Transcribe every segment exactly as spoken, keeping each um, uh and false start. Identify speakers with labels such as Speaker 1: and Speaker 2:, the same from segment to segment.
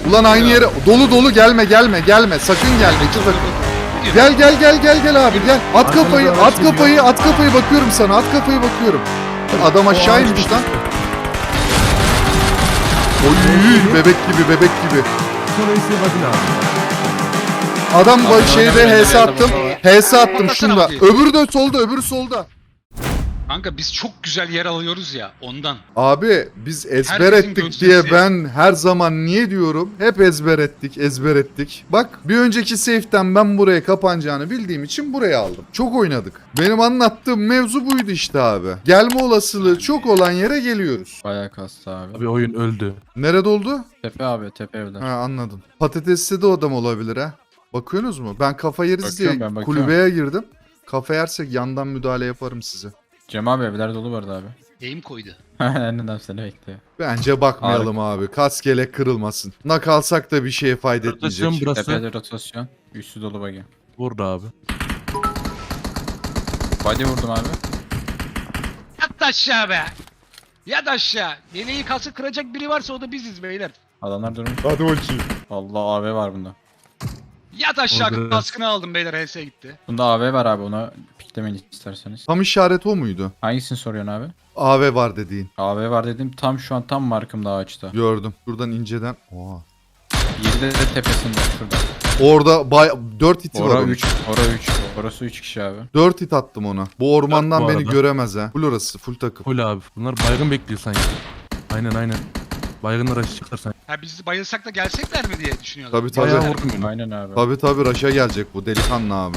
Speaker 1: Ulan aynı yere dolu dolu gelme gelme gelme sakın gelme. İki takım. Gel gel gel gel gel abi gel. At kafayı at kafayı at kafayı bakıyorum sana at kafayı bakıyorum. Adam aşağı inmiş lan. Oy bebek gibi bebek gibi. Adam bu şeyde H S attım. H S attım şunda. Öbürü de solda öbürü solda.
Speaker 2: Kanka biz çok güzel yer alıyoruz ya ondan.
Speaker 1: Abi biz ezber
Speaker 2: Herkesin
Speaker 1: ettik
Speaker 2: gösterisi.
Speaker 1: diye ben her zaman niye diyorum? Hep ezber ettik, ezber ettik. Bak bir önceki safe'den ben buraya kapanacağını bildiğim için buraya aldım. Çok oynadık. Benim anlattığım mevzu buydu işte abi. Gelme olasılığı çok olan yere geliyoruz.
Speaker 3: Bayağı kastı abi.
Speaker 4: Abi oyun öldü.
Speaker 1: Nerede oldu?
Speaker 3: Tepe abi tepe evler.
Speaker 1: Ha anladım. Patatesli de o adam olabilir ha. Bakıyorsunuz mu? Ben kafa yeriz diye
Speaker 3: Bakıyorum ben, bakıyorum.
Speaker 1: kulübeye girdim. Kafa yersek yandan müdahale yaparım size.
Speaker 3: Cem abi evler dolu vardı abi.
Speaker 2: Eğim koydu.
Speaker 3: Neden seni bekliyor.
Speaker 1: Bence bakmayalım abi. Kas gelek kırılmasın. Nak alsak da bir şeye fayda
Speaker 4: Rotasyon
Speaker 1: etmeyecek.
Speaker 4: burası.
Speaker 3: Tepede rotasyon. Üstü dolu bagi.
Speaker 4: Burada abi.
Speaker 3: Body vurdum abi.
Speaker 2: Yat aşağı be. Yat aşağı. Yeleği kası kıracak biri varsa o da biziz beyler.
Speaker 3: Adamlar durmuş.
Speaker 1: Hadi bakayım.
Speaker 3: Allah A V var bunda.
Speaker 2: Yat aşağı
Speaker 4: Orada-
Speaker 2: kaskını aldım beyler H S gitti.
Speaker 3: Bunda A V var abi, ona piklemeyin isterseniz.
Speaker 1: Tam işaret o muydu?
Speaker 3: Hangisini soruyorsun abi?
Speaker 1: A V var dediğin.
Speaker 3: A V var dedim, tam şu an tam markımda ağaçta.
Speaker 1: Gördüm. Şuradan inceden. Oha.
Speaker 3: yedide de tepesinde şurada.
Speaker 1: Orada bay... dört hiti var
Speaker 3: Ora
Speaker 1: onun.
Speaker 3: üç, ora üç. Orası üç kişi abi.
Speaker 1: dört hit attım ona. Bu ormandan
Speaker 4: Dört bu
Speaker 1: beni
Speaker 4: arada.
Speaker 1: göremez ha. Full orası. Full takım.
Speaker 4: Full abi. Bunlar baygın bekliyor sanki. Aynen aynen. Baygınlar açacaklar sanki.
Speaker 2: Ha biz bayılsak da gelsekler mi diye düşünüyorlar.
Speaker 1: Tabii tabii.
Speaker 4: Bayağı vurdum beni.
Speaker 3: Aynen abi.
Speaker 1: Tabii tabii Raş'a gelecek bu. Delikanlı abi.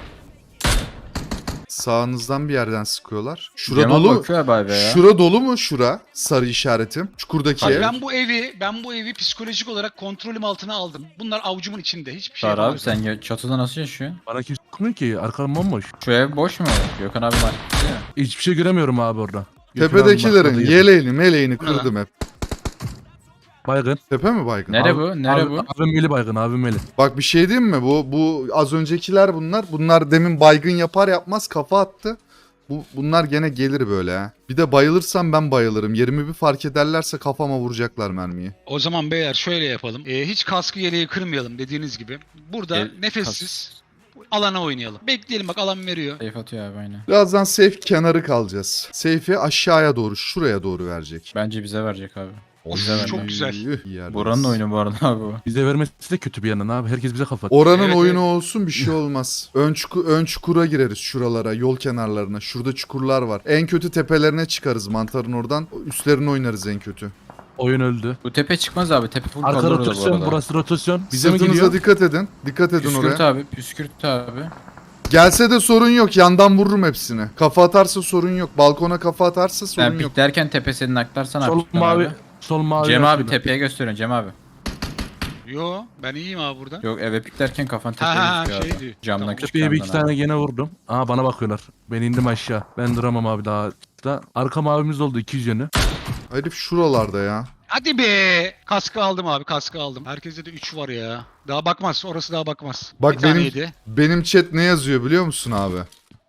Speaker 1: Sağınızdan bir yerden sıkıyorlar. Şura
Speaker 3: Cem abi
Speaker 1: dolu.
Speaker 3: bakıyor abi A V ya.
Speaker 1: Şura dolu mu şura? Sarı işaretim. Çukurdaki
Speaker 3: Tabii.
Speaker 1: ev.
Speaker 2: Ben bu evi, ben bu evi psikolojik olarak kontrolüm altına aldım. Bunlar avucumun içinde. Hiçbir şey
Speaker 3: Sar abi,
Speaker 2: yapamıyorum.
Speaker 3: sen ya- çatıda nasıl yaşıyorsun?
Speaker 4: Bana kimse sıkmıyor ki. Arkam bomboş.
Speaker 3: Şu ev boş mu? Gökhan abi var.
Speaker 4: Hiçbir şey göremiyorum abi orada. Gökhan abi
Speaker 1: Tepedekilerin
Speaker 4: başladı yine.
Speaker 1: yeleğini meleğini
Speaker 2: Bu ne lan?
Speaker 1: kırdım hep.
Speaker 4: Baygın.
Speaker 1: Tepe mi baygın?
Speaker 3: Nere
Speaker 4: Abi-
Speaker 3: bu? Nere
Speaker 4: abi,
Speaker 3: bu?
Speaker 4: Abi Meli baygın abi Meli.
Speaker 1: Bak bir şey diyeyim mi? Bu bu az öncekiler bunlar. Bunlar demin baygın yapar yapmaz kafa attı. Bu bunlar gene gelir böyle ha. Bir de bayılırsam ben bayılırım. Yerimi bir fark ederlerse kafama vuracaklar mermiyi.
Speaker 2: O zaman beyler şöyle yapalım. Ee, hiç kaskı yeleği kırmayalım dediğiniz gibi. Burada
Speaker 3: El-
Speaker 2: nefessiz alana oynayalım. Bekleyelim bak alan veriyor.
Speaker 3: Safe atıyor abi aynen.
Speaker 1: Birazdan safe kenarı kalacağız. Safe'i aşağıya doğru, şuraya doğru verecek.
Speaker 3: Bence bize verecek abi.
Speaker 2: Of,
Speaker 3: Bize vermiyor.
Speaker 2: çok güzel.
Speaker 1: Üh, iyi yerdeyiz.
Speaker 3: Buranın oyunu bu arada abi bu.
Speaker 4: Bize vermesi de kötü bir yandan abi. Herkes bize kafa.
Speaker 1: Oranın
Speaker 2: Evet,
Speaker 1: oyunu
Speaker 2: evet.
Speaker 1: olsun bir şey olmaz. Ön, çuku- ön çukura gireriz şuralara, yol kenarlarına. Şurada çukurlar var. En kötü tepelerine çıkarız mantarın oradan. Üstlerini oynarız en kötü.
Speaker 4: Oyun öldü.
Speaker 3: Bu tepe çıkmaz abi. Tepe full
Speaker 4: Arka
Speaker 3: kalır bu
Speaker 4: rotasyon,
Speaker 3: arada.
Speaker 4: burası rotasyon. Bize mi
Speaker 1: Sırtınıza
Speaker 4: geliyor?
Speaker 1: dikkat edin. Dikkat edin
Speaker 3: Püskürt
Speaker 1: oraya.
Speaker 3: abi. Püskürt abi.
Speaker 1: Gelse de sorun yok. Yandan vururum hepsini. Kafa atarsa sorun yok. Balkona kafa atarsa sorun
Speaker 3: Ben
Speaker 1: yok.
Speaker 3: piklerken tepesini naklarsan
Speaker 4: Sol
Speaker 3: abi.
Speaker 4: mavi. Sol mavi.
Speaker 3: Cem abi
Speaker 4: şurada.
Speaker 3: tepeye gösteriyorsun Cem abi.
Speaker 2: Yo ben iyiyim abi burada.
Speaker 3: Yok eve piklerken kafan tepeye
Speaker 2: Ha ha
Speaker 3: düşüyor
Speaker 2: şey
Speaker 3: abi.
Speaker 2: diyor.
Speaker 3: Camdan
Speaker 2: Tamam.
Speaker 3: küçük
Speaker 4: Tepeye bir
Speaker 3: camdan
Speaker 4: iki
Speaker 3: abi.
Speaker 4: tane gene vurdum. Aa bana bakıyorlar. Ben indim aşağı. Ben duramam abi daha. Da arka mavimiz oldu iki yüz yönü.
Speaker 1: Herif şuralarda ya.
Speaker 2: Hadi be. Kaskı aldım abi kaskı aldım. Herkeste de üç var ya. Daha bakmaz orası daha bakmaz.
Speaker 1: Bak
Speaker 2: Bir tane
Speaker 1: benim
Speaker 2: yedi.
Speaker 1: benim chat ne yazıyor biliyor musun abi?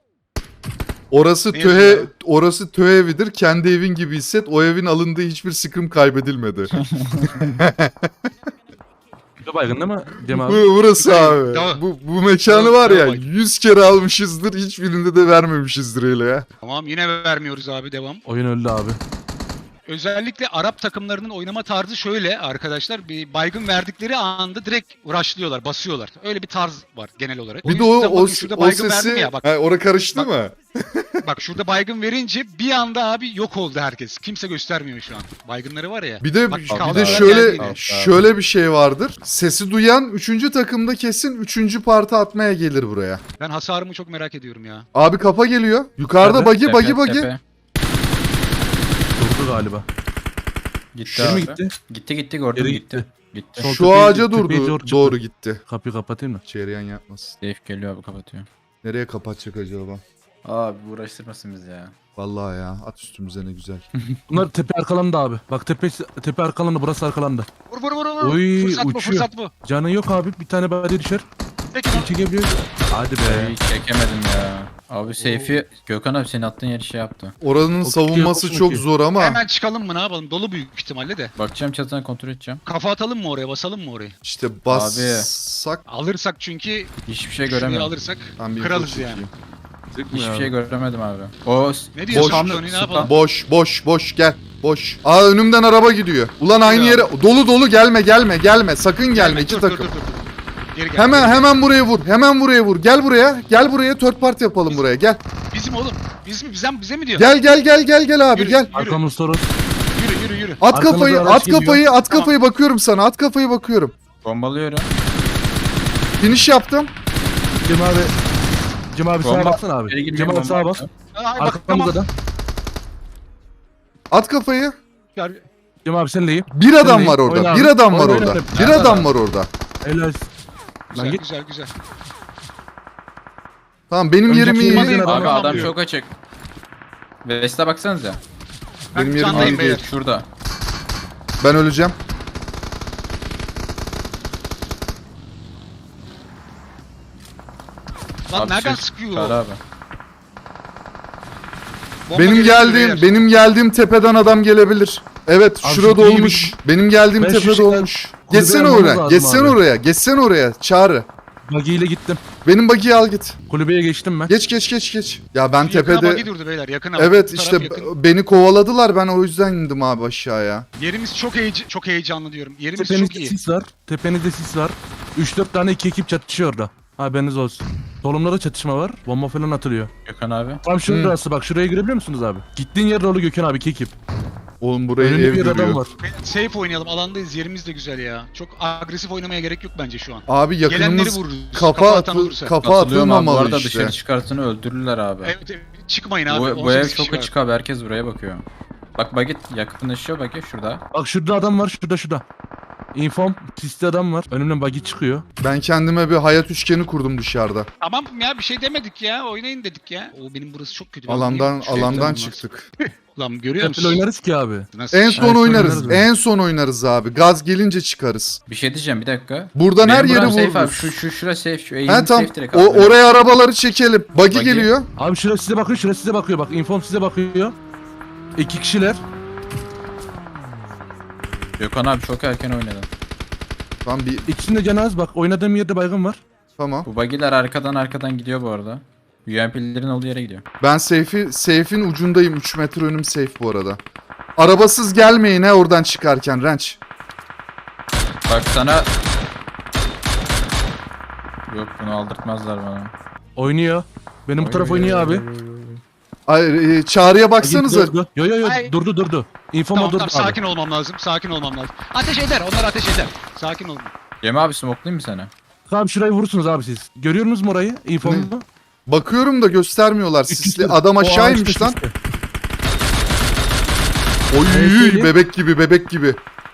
Speaker 1: Orası
Speaker 2: Ne
Speaker 1: töhe
Speaker 2: yazıyor?
Speaker 1: orası töhe evidir. Kendi evin gibi hisset. O evin alındığı hiçbir sıkım kaybedilmedi.
Speaker 4: Bir baygın değil mi Cem
Speaker 1: Bu
Speaker 4: abi?
Speaker 1: burası abi.
Speaker 2: Tamam.
Speaker 1: Bu bu mekanı
Speaker 2: Tamam,
Speaker 1: var ya
Speaker 2: tamam.
Speaker 1: yüz kere almışızdır. Hiçbirinde de vermemişizdir öyle ya.
Speaker 2: Tamam yine vermiyoruz abi devam.
Speaker 4: Oyun öldü abi.
Speaker 2: Özellikle Arap takımlarının oynama tarzı şöyle arkadaşlar. Bir baygın verdikleri anda direkt rushlıyorlar, basıyorlar. Öyle bir tarz var genel olarak.
Speaker 1: Bir de
Speaker 2: yüzden
Speaker 1: o o,
Speaker 2: bakın şurada
Speaker 1: o
Speaker 2: baygın
Speaker 1: sesi
Speaker 2: verdim ya bak.
Speaker 1: ha, orada karıştı
Speaker 2: Bak.
Speaker 1: mı?
Speaker 2: Bak şurada baygın verince bir anda abi yok oldu herkes. Kimse göstermiyor şu an. Baygınları var ya.
Speaker 1: Bir de
Speaker 2: Bak,
Speaker 1: bir
Speaker 2: kaldı
Speaker 1: de
Speaker 2: abi.
Speaker 1: şöyle
Speaker 2: Geldi.
Speaker 1: şöyle bir şey vardır. Sesi duyan üçüncü takımda kesin üçüncü parti atmaya gelir buraya.
Speaker 2: Ben hasarımı çok merak ediyorum ya.
Speaker 1: Abi kafa geliyor. Yukarıda
Speaker 4: Nerede?
Speaker 1: bagi
Speaker 3: Tepe,
Speaker 1: bagi bagi.
Speaker 3: tepe.
Speaker 4: Durdu galiba.
Speaker 3: Gitti
Speaker 4: Geri mi
Speaker 3: abi.
Speaker 4: gitti?
Speaker 3: Gitti gitti gördüm
Speaker 4: Geri
Speaker 3: gitti. Gitti.
Speaker 4: Sol
Speaker 1: Şu
Speaker 4: tepeyi-
Speaker 1: ağaca
Speaker 4: tepeyi
Speaker 1: durdu.
Speaker 4: doğru çıktı.
Speaker 1: Doğru gitti.
Speaker 4: Kapıyı kapatayım mı?
Speaker 1: Çeyreğen yapmasın.
Speaker 3: Safe geliyor abi, kapatıyor.
Speaker 1: Nereye kapatacak acaba?
Speaker 3: Abi uğraştırmasın bizi ya.
Speaker 1: Vallahi ya at üstümüze ne güzel.
Speaker 4: Bunlar tepe arkalandı abi. Bak tepe tepe arkalandı, burası arkalandı.
Speaker 2: Vur vur vur vur.
Speaker 4: Oy,
Speaker 2: fırsat bu
Speaker 4: uçuyor.
Speaker 2: fırsat bu.
Speaker 4: Canı yok abi, bir tane body düşer.
Speaker 2: Peki
Speaker 4: Bir çekebiliyor. Hadi be.
Speaker 3: Ay, çekemedim ya. Abi seyfi Gökhan abi senin attığın yeri şey yaptı.
Speaker 1: Oranın
Speaker 4: Çok
Speaker 1: savunması
Speaker 4: iyi,
Speaker 1: çok
Speaker 4: çok iyi.
Speaker 1: zor ama.
Speaker 2: Hemen çıkalım mı ne yapalım? Dolu büyük ihtimalle de.
Speaker 3: Bakacağım çatıdan kontrol edeceğim.
Speaker 2: Kafa atalım mı oraya? Basalım mı orayı?
Speaker 1: İşte bassak.
Speaker 2: Alırsak çünkü
Speaker 3: Hiçbir şey
Speaker 2: şurayı
Speaker 3: göremedim.
Speaker 2: alırsak
Speaker 1: Ben bir
Speaker 2: kralız
Speaker 1: info
Speaker 2: yani.
Speaker 1: çekeyim.
Speaker 4: Sıkmıyor
Speaker 3: Hiçbir
Speaker 4: abi.
Speaker 3: şey göremedim abi. O
Speaker 2: Ne diyorsun
Speaker 1: Boş.
Speaker 2: Tony, ne yapalım?
Speaker 1: Boş boş boş gel. Boş. Aa önümden araba gidiyor. Ulan aynı
Speaker 2: Ya.
Speaker 1: yere dolu dolu gelme gelme gelme. Sakın gelme iki
Speaker 2: dur,
Speaker 1: takım.
Speaker 2: Dur, dur, dur, dur. Geri gel.
Speaker 1: Hemen
Speaker 2: geri gel.
Speaker 1: hemen buraya vur. Hemen buraya vur. Gel buraya. Gel buraya. Third party yapalım buraya. Gel.
Speaker 2: Bizim oğlum. Biz mi? Bize, bize mi diyor?
Speaker 1: Gel gel gel gel gel abi
Speaker 2: Yürü,
Speaker 1: gel.
Speaker 2: yürü.
Speaker 4: Arkamız sorun.
Speaker 2: Yürü yürü yürü.
Speaker 1: At
Speaker 4: Arkamızda
Speaker 1: kafayı,
Speaker 4: araç
Speaker 1: at
Speaker 4: geliyor.
Speaker 1: kafayı, at
Speaker 2: Tamam.
Speaker 1: kafayı bakıyorum sana. At kafayı bakıyorum.
Speaker 3: bombalıyorum.
Speaker 1: Finish yaptım.
Speaker 4: Cem abi. Cem abi sağa
Speaker 3: Bomba-
Speaker 4: baksana
Speaker 3: Geri
Speaker 4: abi.
Speaker 3: gireceğim,
Speaker 4: Cem abi
Speaker 3: bomba
Speaker 4: sağa bak.
Speaker 3: attım.
Speaker 2: Ay, bak
Speaker 4: Arkamızda
Speaker 2: tamam.
Speaker 4: da.
Speaker 1: At kafayı.
Speaker 2: Gel.
Speaker 4: Cem abi senleyim.
Speaker 1: Bir adam
Speaker 4: Senleyim.
Speaker 1: var orada.
Speaker 4: Oyna
Speaker 1: Bir
Speaker 4: abi.
Speaker 1: adam var
Speaker 4: Oyna,
Speaker 1: orada.
Speaker 4: oyna.
Speaker 1: Bir
Speaker 3: Nerede
Speaker 1: adam
Speaker 3: adam?
Speaker 1: var orada.
Speaker 4: Helal. Lan
Speaker 2: Güzel
Speaker 4: git.
Speaker 2: güzel güzel.
Speaker 1: Tamam benim
Speaker 4: Önceki
Speaker 1: yerim iyi.
Speaker 4: yerimizden adam-
Speaker 3: Abi
Speaker 2: Tamam,
Speaker 3: adam
Speaker 2: diyor.
Speaker 3: çok açık. Vest'e baksanıza.
Speaker 2: Ben
Speaker 1: Benim yerim
Speaker 2: candayım
Speaker 1: iyi değil.
Speaker 2: beyler.
Speaker 3: Şurada.
Speaker 1: Ben öleceğim.
Speaker 2: Lan
Speaker 3: Abi
Speaker 2: nereden
Speaker 3: şey-
Speaker 2: sıkıyor?
Speaker 3: Çağrı abi.
Speaker 2: Bomba
Speaker 1: Benim
Speaker 2: geliyor
Speaker 1: geldiğim,
Speaker 2: beyler.
Speaker 1: benim geldiğim tepeden adam gelebilir. Evet,
Speaker 4: Abi
Speaker 1: şurada
Speaker 4: şu iyi
Speaker 1: olmuş. Benim geldiğim
Speaker 4: Ben şu
Speaker 1: tepede
Speaker 4: şeyden
Speaker 1: olmuş.
Speaker 4: kulübeye
Speaker 1: Geçsene
Speaker 4: almamız
Speaker 1: oraya.
Speaker 4: lazım
Speaker 1: Geçsene
Speaker 4: abi.
Speaker 1: oraya. Geçsene oraya. Çağrı.
Speaker 4: Buggy ile gittim.
Speaker 1: Benim bagiyi al git.
Speaker 4: Kulübeye geçtim ben.
Speaker 1: Geç geç geç geç. Ya ben
Speaker 2: Şu yakına
Speaker 1: tepede
Speaker 2: bagi durdu beyler yakına.
Speaker 1: evet
Speaker 2: Bu
Speaker 1: işte
Speaker 2: taraf yakın.
Speaker 1: beni kovaladılar. Ben o yüzden indim abi aşağıya.
Speaker 2: Yerimiz çok heyecan, çok heyecanlı diyorum. Yerimiz çok
Speaker 4: Tepenizde
Speaker 2: iyi.
Speaker 4: sis var. Tepenizde sis var. üç dört tane iki ekip çatışıyor orada. Haberiniz olsun. Solumda da çatışma var. Bomba falan atılıyor.
Speaker 3: Gökhan abi.
Speaker 4: Tam şurası bak, şuraya girebiliyor musunuz abi? Gittiğin yer dolu Gökhan abi, iki ekip.
Speaker 1: Oğlum buraya
Speaker 4: Önünde
Speaker 1: ev
Speaker 4: bir adam
Speaker 1: duruyor.
Speaker 4: var.
Speaker 2: Beyler, Safe oynayalım alandayız yerimiz de güzel ya. Çok agresif oynamaya gerek yok bence şu an.
Speaker 1: Abi
Speaker 2: Gelenleri
Speaker 1: yakınımız
Speaker 2: vururuz.
Speaker 1: kafa
Speaker 2: atan
Speaker 1: atı,
Speaker 2: olursa.
Speaker 1: kafa
Speaker 3: Katılıyorum abi. Bu
Speaker 1: atılmamalı
Speaker 3: arada
Speaker 1: işte.
Speaker 3: dışarı çıkartını öldürürler abi.
Speaker 2: Evet, evet, çıkmayın abi.
Speaker 3: Bu, bu
Speaker 2: on
Speaker 3: ev
Speaker 2: sekiz
Speaker 3: çok
Speaker 2: kişi var.
Speaker 3: açık abi. Herkes buraya bakıyor. Bak Bagit yakınlaşıyor Bagit şurada.
Speaker 4: Bak şurada adam var, şurada şurada. Inform, sisli adam var. Önümden buggy çıkıyor.
Speaker 1: Ben kendime bir hayat üçgeni kurdum dışarıda.
Speaker 2: Tamam ya bir şey demedik ya. Oynayın dedik ya. O benim burası çok kötü. Ben
Speaker 1: Alandan
Speaker 2: oynayayım. Şuraya
Speaker 1: alandan
Speaker 2: gidelim
Speaker 1: çıktık.
Speaker 2: lan. Lan görüyor
Speaker 4: Hep
Speaker 2: musun?
Speaker 4: oynarız ki abi.
Speaker 2: Nasıl?
Speaker 1: En son
Speaker 4: Evet,
Speaker 1: oynarız.
Speaker 4: oynarız
Speaker 1: En son oynarız abi. Gaz gelince çıkarız.
Speaker 3: Bir şey diyeceğim bir dakika.
Speaker 1: Buradan her
Speaker 3: Benim
Speaker 1: yeri
Speaker 3: buram safe abi.
Speaker 1: vururuz.
Speaker 3: Şu şu şura safe. Şu
Speaker 1: He
Speaker 3: eğim
Speaker 1: tamam.
Speaker 3: safe direkt
Speaker 1: O,
Speaker 3: abi.
Speaker 1: oraya arabaları çekelim. Buggy
Speaker 3: Buggy.
Speaker 1: geliyor.
Speaker 4: Abi şurası size bakıyor, şurası size bakıyor. Bak inform size bakıyor. İki kişiler.
Speaker 3: Gökhan abi çok erken oynadın.
Speaker 1: Tamam bir
Speaker 4: İkisinde canı az, bak oynadığım yerde baygın var.
Speaker 1: tamam.
Speaker 3: Bu bagiler arkadan arkadan gidiyor bu arada. U M P'lerin olduğu yere gidiyor.
Speaker 1: Ben safe'i safe'in ucundayım. üç metre önüm safe bu arada. Arabasız gelmeyin he oradan çıkarken Renç.
Speaker 3: Bak sana... Yok bunu aldırtmazlar bana.
Speaker 4: Oynuyor. Benim bu taraf oynuyor abi.
Speaker 1: Ay, e, çağrıya baksanıza.
Speaker 4: Durdu. Yo yo yo
Speaker 2: Ay.
Speaker 4: durdu durdu. Informa
Speaker 2: Tamam
Speaker 4: durdu
Speaker 2: tamam
Speaker 4: abi.
Speaker 2: sakin olmam lazım. Sakin olmam lazım. Ateş eder. Onlar ateş eder. Sakin olun.
Speaker 3: Cem abi smoke'layım mı sana?
Speaker 4: Tamam şurayı vurursunuz abi siz. Görüyor musunuz mu orayı? Informu.
Speaker 1: Bakıyorum da göstermiyorlar.
Speaker 4: üç yüz
Speaker 1: Sisli
Speaker 4: kırk.
Speaker 1: adam
Speaker 4: O
Speaker 1: aşağı
Speaker 4: ağaçta
Speaker 1: inmiş lan.
Speaker 4: sisli.
Speaker 1: Oy
Speaker 4: Evet,
Speaker 1: bebek gibi bebek gibi.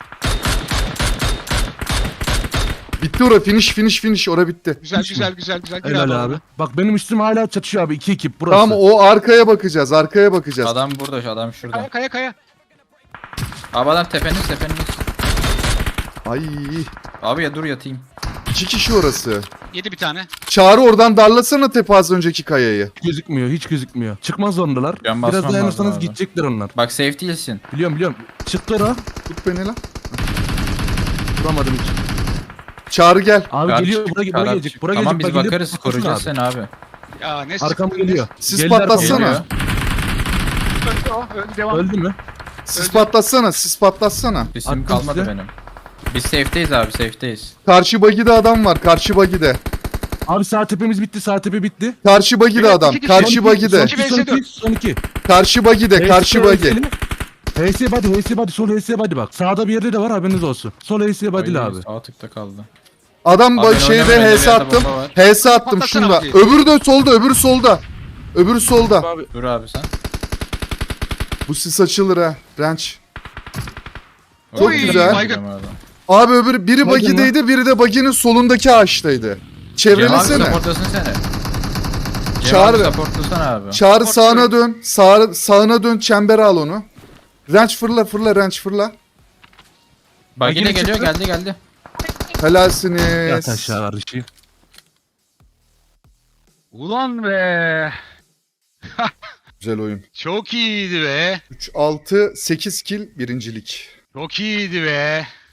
Speaker 1: Bitti ora finish finish finish ora bitti.
Speaker 2: Güzel
Speaker 4: Hiç mi?
Speaker 2: güzel güzel güzel. Gir
Speaker 4: Helal abi.
Speaker 2: alana.
Speaker 4: Bak benim üstüm hala çatışıyor abi. İki ekip burası.
Speaker 1: Tamam o arkaya bakacağız arkaya bakacağız.
Speaker 3: Adam burada adam şurada.
Speaker 2: Kaya kaya kaya.
Speaker 3: Abi adam tepeniz tepeniz.
Speaker 1: Ay
Speaker 3: Abi ya dur yatayım.
Speaker 1: iki kişi orası.
Speaker 2: Yedi bir tane.
Speaker 1: Çağrı oradan darlasana tepe az önceki kayayı.
Speaker 4: Hiç gözükmüyor, hiç gözükmüyor. Çıkmaz zorundalar.
Speaker 3: Can
Speaker 4: Biraz
Speaker 3: basmam
Speaker 4: dayanırsanız
Speaker 3: lazım abi.
Speaker 4: gidecekler onlar.
Speaker 3: Bak safe değilsin.
Speaker 4: Biliyorum biliyorum. Çıktı o.
Speaker 1: Tut beni lan.
Speaker 4: Vuramadım hiç.
Speaker 1: Çağrı gel.
Speaker 4: Abi
Speaker 3: Kar
Speaker 4: geliyor,
Speaker 3: çık,
Speaker 4: buraya,
Speaker 3: kar
Speaker 4: buraya
Speaker 3: at
Speaker 4: gelecek.
Speaker 3: çık.
Speaker 4: Buraya
Speaker 3: Tamam
Speaker 4: gelecek.
Speaker 3: biz
Speaker 4: Bak, gelip
Speaker 3: bakarız
Speaker 4: bakıyorsun
Speaker 3: koruyacağız
Speaker 4: abi.
Speaker 3: seni abi.
Speaker 2: Ya ne
Speaker 4: Arkam
Speaker 2: sıkıntı,
Speaker 4: geliyor.
Speaker 1: Siz
Speaker 4: Geldiler
Speaker 1: patlatsana.
Speaker 4: bana.
Speaker 3: Geliyor.
Speaker 2: Öldü o. Öldü devam.
Speaker 4: Öldü mü?
Speaker 1: Sis patlatsana sis patlatsana.
Speaker 3: İsim
Speaker 4: Attım
Speaker 3: kalmadı
Speaker 4: size.
Speaker 3: benim. Biz safe'deyiz abi safe'deyiz.
Speaker 1: Karşı bagide adam var karşı bagide.
Speaker 4: Abi sağ tepemiz bitti, sağ tepe bitti.
Speaker 1: Karşı bagide
Speaker 2: Evet,
Speaker 1: adam
Speaker 2: iki kişi.
Speaker 1: karşı
Speaker 4: Son iki,
Speaker 1: bagide.
Speaker 4: Son
Speaker 2: İki
Speaker 4: iki, son
Speaker 2: vs dört.
Speaker 4: iki, son iki.
Speaker 1: Karşı bagide karşı bagi.
Speaker 4: H S body, H S body, sol H S body bak. Sağda bir yerde de var, haberiniz olsun. Sol H S body'li
Speaker 3: Ay,
Speaker 4: abi.
Speaker 3: Sağ tıkta kaldı.
Speaker 1: Adam
Speaker 3: Abi
Speaker 1: ba-
Speaker 3: ben
Speaker 1: şeyde
Speaker 3: oynamıyorum,
Speaker 1: H S
Speaker 3: elimde
Speaker 1: attım.
Speaker 3: bomba var.
Speaker 1: H S attım
Speaker 2: Patlatsana
Speaker 1: şunda.
Speaker 2: abi.
Speaker 1: Öbürü de solda öbürü solda. Öbürü solda.
Speaker 4: Abi
Speaker 3: Dur abi sen.
Speaker 1: Bu sis açılır ha. Renç. Çok
Speaker 3: Oy,
Speaker 1: güzel.
Speaker 2: baygın.
Speaker 3: Abi.
Speaker 1: Abi öbürü biri
Speaker 4: Baygın
Speaker 1: bagideydi biri de baginin solundaki ağaçtaydı.
Speaker 3: Cem abi
Speaker 1: Çevrelesene.
Speaker 3: supportlasın seni. Cem
Speaker 1: Çağır.
Speaker 3: abi supportlasana abi.
Speaker 1: Çağrı sağına dön. Sağ, sağına dön çembere al onu. Renç fırla fırla renç fırla.
Speaker 3: Bagine
Speaker 4: Bagine
Speaker 3: geliyor
Speaker 4: çıktı.
Speaker 3: geldi geldi.
Speaker 4: yat
Speaker 1: Helalsiniz.
Speaker 4: aşağı kardeşim.
Speaker 2: Ulan be.
Speaker 1: Güzel oyun.
Speaker 2: Çok iyiydi be.
Speaker 1: üç altı sekiz kill birincilik.
Speaker 2: Çok iyiydi be.